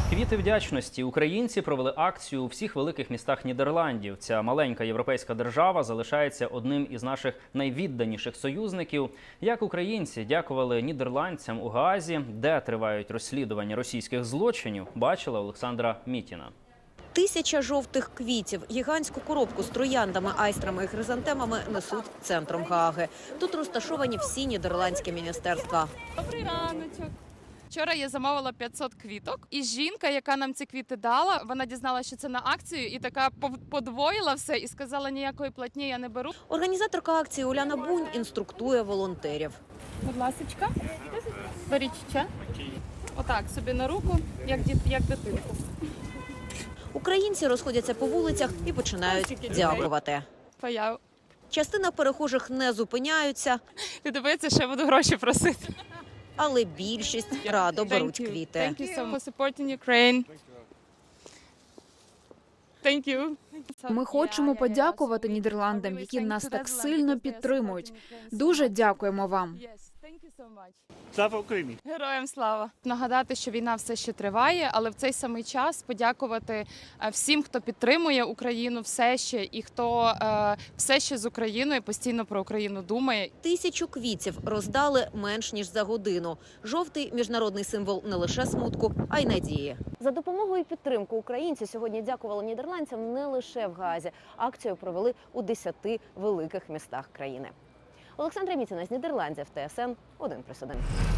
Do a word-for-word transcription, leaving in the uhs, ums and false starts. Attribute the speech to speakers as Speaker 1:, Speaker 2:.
Speaker 1: Квіти вдячності. Українці провели акцію у всіх великих містах Нідерландів. Ця маленька європейська держава залишається одним із наших найвідданіших союзників. Як українці дякували нідерландцям у Гаазі, де тривають розслідування російських злочинів, бачила Олександра Мітіна.
Speaker 2: Тисяча жовтих квітів, гігантську коробку з трояндами, айстрами і хризантемами несуть центром Гааги. Тут розташовані всі нідерландські міністерства.
Speaker 3: Добрий раночок. Вчора я замовила п'ятсот квіток, і жінка, яка нам ці квіти дала, вона дізналася, що це на акцію, і така подвоїла все, і сказала, ніякої платні я не беру.
Speaker 2: Організаторка акції Уляна Бунь інструктує волонтерів.
Speaker 3: Будь ласочка, беріть ще. Отак, собі на руку, як, діт, як дитинку.
Speaker 2: Українці розходяться по вулицях і починають дякувати.
Speaker 3: Паяв.
Speaker 2: Частина перехожих не зупиняються,
Speaker 3: Ти дивиться, що я буду гроші просити.
Speaker 2: але більшість радо беруть квіти.
Speaker 3: Thank you so much for supporting Ukraine. Thank you.
Speaker 4: Ми хочемо подякувати Нідерландам, які нас так сильно підтримують. Дуже дякуємо вам.
Speaker 5: Слава Україні!
Speaker 3: Героям слава! Нагадати, що війна все ще триває, але в цей самий час подякувати всім, хто підтримує Україну все ще і хто е, все ще з Україною, постійно про Україну думає.
Speaker 2: Тисячу квітів роздали менш ніж за годину. Жовтий – міжнародний символ не лише смутку, а й надії. За допомогою і підтримку українці сьогодні дякували нідерландцям не лише в Гаазі. Акцію провели у десяти великих містах країни. Олександра Мітіна з Нідерландів, Т С Н один плюс один.